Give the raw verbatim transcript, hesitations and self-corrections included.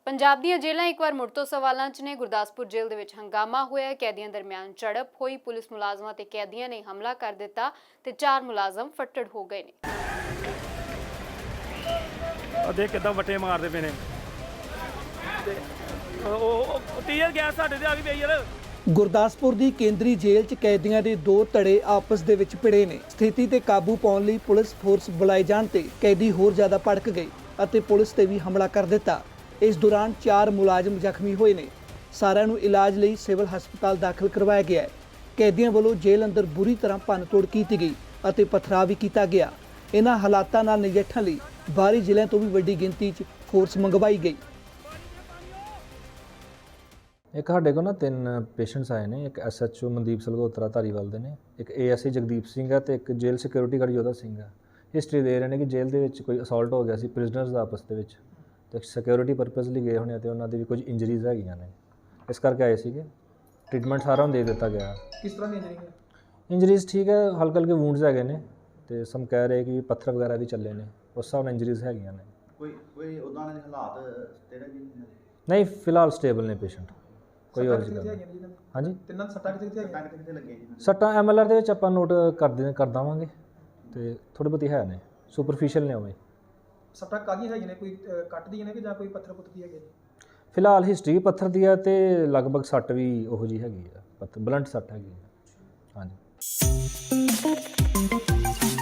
ਪੰਜਾਬ ਦੀਆਂ ਜੇਲ੍ਹਾਂ ਇੱਕ ਵਾਰ ਮੁੜ ਤੋਂ ਸਵਾਲਾਂ 'ਚ ਨੇ। ਗੁਰਦਾਸਪੁਰ ਜੇਲ੍ਹ ਦੇ ਵਿੱਚ ਹੰਗਾਮਾ ਹੋਇਆ। ਕੈਦੀਆਂ ਦਰਮਿਆਨ ਝੜਪ ਹੋਈ। ਪੁਲਿਸ ਮੁਲਾਜ਼ਮਾਂ ਤੇ ਕੈਦੀਆਂ ਨੇ ਹਮਲਾ ਕਰ ਦਿੱਤਾ ਤੇ ਚਾਰ ਮੁਲਾਜ਼ਮ ਫੱਟੜ ਹੋ ਗਏ ਨੇ। ਦੇਖ ਕਿੱਦਾਂ ਵੱਟੇ ਮਾਰਦੇ ਪਏ ਨੇ ਤੇ ਉਹ ਟੀਅਰ ਗੈਸ ਸਾਡੇ ਤੇ ਆ ਗਈ ਪਈ ਯਾਰ। ਗੁਰਦਾਸਪੁਰ ਦੀ ਕੇਂਦਰੀ ਜੇਲ੍ਹ 'ਚ ਕੈਦੀਆਂ ਦੇ ਦੋ ਧੜੇ ਆਪਸ ਦੇ ਵਿੱਚ ਭਿੜੇ ਨੇ। ਸਥਿਤੀ ਤੇ ਕਾਬੂ ਪਾਉਣ ਲਈ ਪੁਲਿਸ ਫੋਰਸ ਬੁਲਾਏ ਜਾਣ ਤੇ ਕੈਦੀ ਹੋਰ ਜ਼ਿਆਦਾ ਭੜਕ ਗਏ ਅਤੇ ਪੁਲਿਸ ਤੇ ਵੀ ਹਮਲਾ ਕਰ ਦਿੱਤਾ। ਇਸ ਦੌਰਾਨ ਚਾਰ ਮੁਲਾਜ਼ਮ ਜ਼ਖਮੀ ਹੋਏ ਨੇ। ਸਾਰਿਆਂ ਨੂੰ ਇਲਾਜ ਲਈ ਸਿਵਲ ਹਸਪਤਾਲ ਦਾਖਲ ਕਰਵਾਇਆ ਗਿਆ ਹੈ। ਕੈਦੀਆਂ ਵੱਲੋਂ ਜੇਲ੍ਹ ਅੰਦਰ ਬੁਰੀ ਤਰ੍ਹਾਂ ਭੰਨਤੋੜ ਕੀਤੀ ਗਈ ਅਤੇ ਪਥਰਾਅ ਵੀ ਕੀਤਾ ਗਿਆ। ਇਹਨਾਂ ਹਾਲਾਤਾਂ ਨਾਲ ਨਜਿੱਠਣ ਲਈ ਬਾਹਰੀ ਜ਼ਿਲ੍ਹਿਆਂ ਤੋਂ ਵੀ ਵੱਡੀ ਗਿਣਤੀ 'ਚ ਫੋਰਸ ਮੰਗਵਾਈ ਗਈ। ਇੱਕ ਸਾਡੇ ਕੋਲ ਨਾ ਤਿੰਨ ਪੇਸ਼ੈਂਟਸ ਆਏ ਨੇ। ਇੱਕ S H O Mandeep Salgotra Dhariwal ਦੇ ਨੇ, ਇੱਕ A S I Jagdeep Singh ਹੈ ਤੇ ਇੱਕ ਜੇਲ੍ਹ ਸਿਕਿਉਰਿਟੀ ਗਾਰਡ ਯੋਧਾ ਸਿੰਘ ਹੈ। ਹਿਸਟਰੀ ਦੇ ਰਹੇ ਨੇ ਕਿ ਜੇਲ੍ਹ ਦੇ ਵਿੱਚ ਕੋਈ ਅਸੌਲਟ ਹੋ ਗਿਆ ਸੀ ਪ੍ਰਿਜ਼ਨਰਸ ਦਾ ਆਪਸ ਦੇ ਵਿੱਚ, ਤੇ ਸਿਕਿਉਰਿਟੀ ਪਰਪਸ ਲਈ ਗਏ ਹੋਣੇ ਤੇ ਉਹਨਾਂ ਦੀ ਵੀ ਕੁਝ ਇੰਜਰੀਜ਼ ਹੈਗੀਆਂ ਨੇ, ਇਸ ਕਰਕੇ ਆਏ ਸੀਗੇ। ਟ੍ਰੀਟਮੈਂਟ ਸਾਰਾ ਨੂੰ ਦੇ ਦਿੱਤਾ ਗਿਆ। ਕਿਸ ਤਰ੍ਹਾਂ ਦੀ ਇੰਜਰੀ ਹੈ? ਇੰਜਰੀਜ਼ ਠੀਕ ਹੈ, ਹਲਕੇ ਹਲਕੇ ਵੂੰਡਸ ਹੈਗੇ ਨੇ ਤੇ ਸਮ ਕਹਿ ਰਹੇ ਕਿ ਪੱਥਰ ਵਗੈਰਾ ਵੀ ਚੱਲੇ ਨੇ, ਉਸ ਹਿਸਾਬ ਨਾਲ ਇੰਜਰੀਜ਼ ਹੈਗੀਆਂ ਨੇ। ਕੋਈ ਕੋਈ ਉਦਾਂ ਦੇ ਹਾਲਾਤ ਤੇਰੇ ਵੀ ਨਹੀਂ, ਫਿਲਹਾਲ ਸਟੇਬਲ ਨੇ ਪੇਸ਼ੈਂਟ। ਕੋਈ ਹੋਰ ਜੀ ਹਾਂਜੀ, ਤਿੰਨਾਂ ਸੱਟਾਂ ਕਿੱਥੇ ਕਿੱਥੇ ਟੰਗ ਕਿੱਥੇ ਲੱਗੇ ਜੀ? ਸੱਟਾਂ ਐਮ ਐਲ ਆਰ ਦੇ ਵਿੱਚ ਆਪਾਂ ਨੋਟ ਕਰਦੇ ਕਰ ਦੇਵਾਂਗੇ ਤੇ ਥੋੜ੍ਹੀ ਬਹੁਤੀ ਹੈ ਨੇ, ਸੁਪਰਫੀਸ਼ੀਅਲ ਨੇ ਉਵੇਂ। ਸੱਟਾਂ ਕਾਹਦੀਆਂ ਹੈਗੀਆਂ ਨੇ? ਕੋਈ ਕੱਟ ਦੀਆਂ ਨੇ ਕਿ ਜਾਂ ਕੋਈ ਪੱਥਰ ਪੁੱਥਰ ਦੀ ਹੈਗੇ? ਫਿਲਹਾਲ ਹਿਸਟਰੀ ਪੱਥਰ ਦੀ ਆ ਤੇ ਲਗਭਗ ਸੱਟ ਵੀ ਉਹੋ ਜਿਹੀ ਹੈਗੀ ਆ, ਪੱਥਰ ਬਲੰਟ ਸੱਟ ਹੈਗੀ ਆ। ਹਾਂਜੀ।